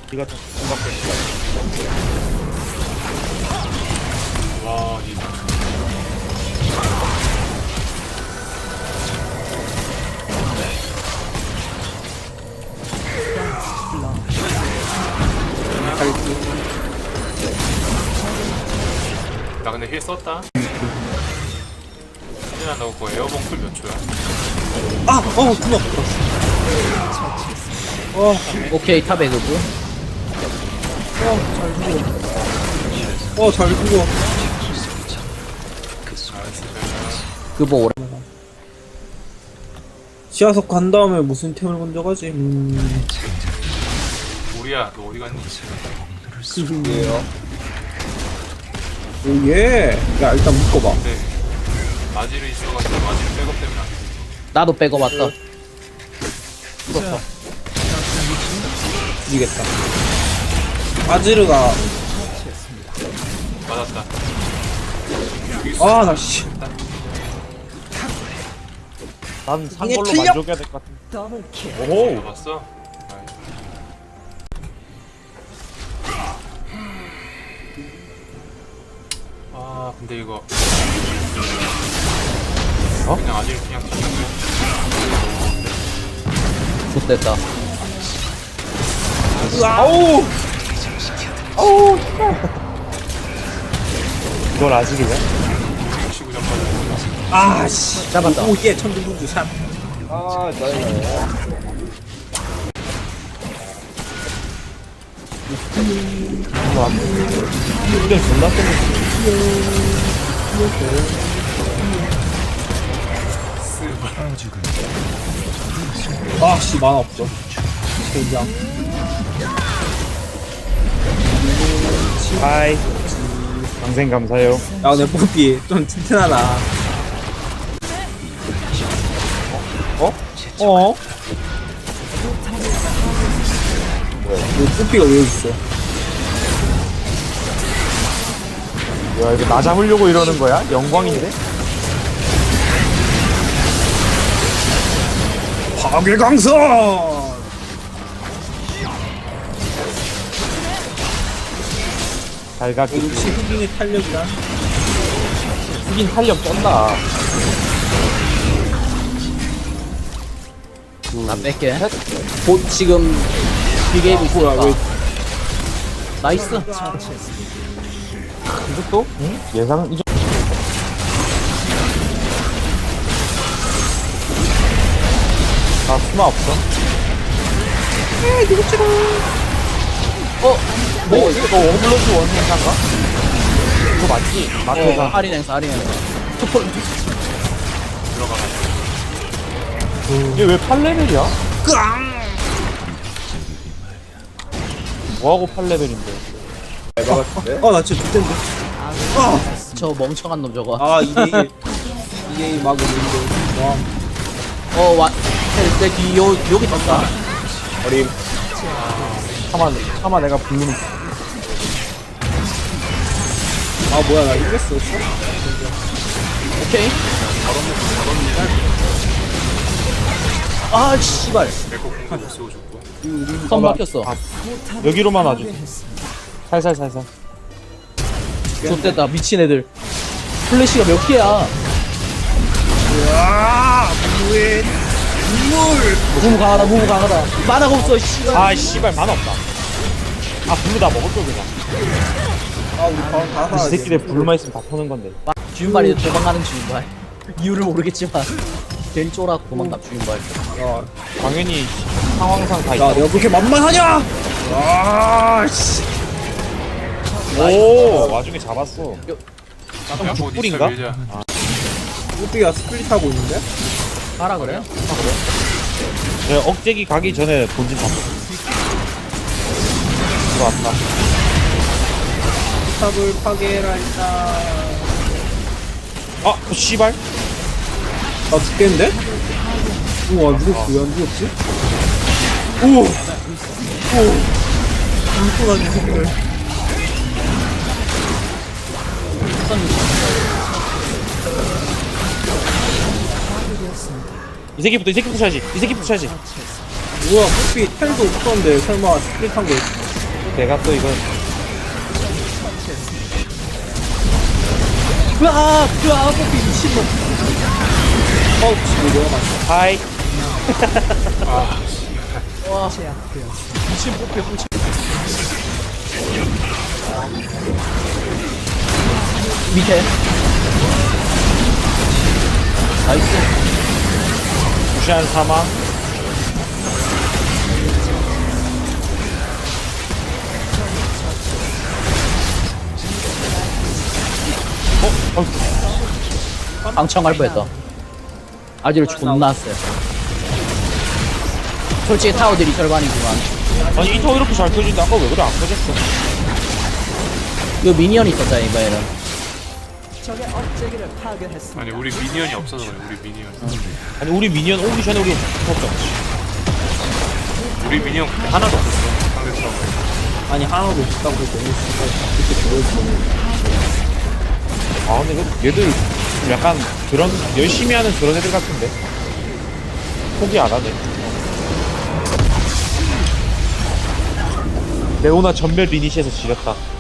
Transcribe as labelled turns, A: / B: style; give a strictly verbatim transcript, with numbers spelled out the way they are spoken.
A: 이가 좀 생각했어.
B: 와, 이 나 근데 힐 썼다. 힐이나 넣고 에어봉 풀몇 초야?
A: 아! 어! 누나! 어!
C: 오케이 탑에 그거.
A: 어! 잘 죽어. 어! 잘 죽어.
B: 나이스.
C: 그거 오래.
A: 지하석 간 다음에 무슨 템을 먼저 가지? 음...
B: 우리야, 너 어디 갔니?
A: 그게요. 오예! 야 일단 묶어봐.
B: 네. 마지르 있어가지고 마지르 백업 때문에 안 돼.
C: 나도 빼고 왔다.
A: 풀었다. 이기겠다. 아지르가
B: 맞았다.
A: 아 나 씨.
D: 난 산
A: 이게
D: 걸로
A: 틀려?
D: 만족해야 될 것 같은데. 오호!
B: 잡았어? 아 근데 이거
D: 어?
B: 그냥 아지르 그냥 튀는
C: 좋됐다.
A: 아우!
D: 아우! 이걸 아직이냐?
B: 거 치고 전까지
A: 아 씨.
C: 잡았다.
A: 오예 천둥군주 샷.
D: 아, 짜증나네. 근데 존나 쎄.
A: 아씨 만화 없어. 젠장.
D: 하이. 방생 감사해요.
A: 야 내 뽀삐 좀 튼튼하다.
D: 어?
A: 어? 내 뽀삐가 왜 여기 있어?
D: 야, 이거 나 잡으려고 이러는 거야? 영광인데?
A: 파괴강선!
D: 잘 가기.
A: 역시 흑인의 탄력이란.
D: 흑인 활력 쩐다.
C: 나 뺄게. 곧 지금 비게임
A: 뭐야 왜
C: 있으니까. 나이스.
D: 이것도? 응? 예상은 이 정도. 나 수마 없어?
C: 어?
D: 뭐, 이거 너 어블러지 원 행사인가? 이거 맞지?
C: 어,
D: 마트에서.
C: 할인 행사, 할인 행사. 투폴.
D: 얘 왜 팔 레벨이야? 뭐하고 팔 레벨인데?
A: 아나 진짜 죽겠는데.
C: 저 멍청한 놈 저거.
A: 아 이게 이게 막 오는데. 와
C: 어, 와. 내 뒤, 요, 여기 떴다.
A: 어림.
D: 차마, 차마 내가 부르는.
A: 아 뭐야 나 이랬어.
C: 오케이. 아, 씨발.
B: 에코 공도 못 쓰고 죽고
C: 선 막혔어.
D: 여기로만 와줘. 살살살살.
C: 좋됐다. 미친 애들. 플래시가 몇 개야?
A: 아 뭐해? 눈물.
C: 무브 강하다, 무브 강하다. 만화가 없어, 씨발.
D: 아, 씨발, 만화 없다. 아, 블루 다 먹었어, 그냥.
A: 아 우리 바로 다
D: 이
A: 살아.
D: 새끼들 블루만 있으면 다 터는 건데.
C: 주윤발이 도망가는 주윤발. 이유를 모르겠지만. 괜히 쫄아고 도망가, 주윤발.
A: 야,
D: 당연히 상황상 다
A: 야
D: 있다.
A: 내가 그렇게 만만하냐? 아 씨.
D: 오, 와중에 잡았어.
B: 야, 뭐
D: 뿔인가?
B: 밀자.
A: 뽀삐가 스플릿 하고 있는데?
C: 가라 그래요?
D: 내가 억제기 가기 전에 본진 잡았어. 들어왔다.
A: 탑을 파괴해라 일단.
D: 아, 어, 씨발.
A: 나 죽겠는데? 우와 누가 왜 안 죽었지? 오! 오! 불꽃하지 새끼들.
D: 이 새끼부터, 이 새끼부터 쳐야지. 이 새끼부터 쳐야지.
A: 뭐야 뽀삐 텔도 없었는데 설마 스플릿 한 거.
E: 내가 또 이거
C: 으아! 으아! 뽀삐 미친놈.
A: 어, 지금 내가 맞
E: 하이
C: 와. 미친 뽀삐 훔치. 밑에. 나이스.
E: 무시한 사망. 어? 어?
C: 방청할 뻔했다. 아지를 존나 세. 솔직히 타워들이 절반이지만.
E: 아니 이 타워 이렇게 잘 펴진다. 아까 왜 그래 안 펴졌어?
C: 이거 미니언 있었잖아 이번에는.
B: 아니 우리 미니언이 없어서 그래. 우리 미니언.
E: 아니 우리 미니언 오기 전에 우리 폈죠.
B: 우리 미니언 근데 하나도 없었어. 상대 타워.
A: 아니, 하나도 없다고 해서 너무 진짜 그렇게 보여주고.
E: 아 근데 이거 얘들 약간 그런 열심히 하는 그런 애들 같은데 포기 안 하네. 레오나 전멸 리니시에서 지렸다.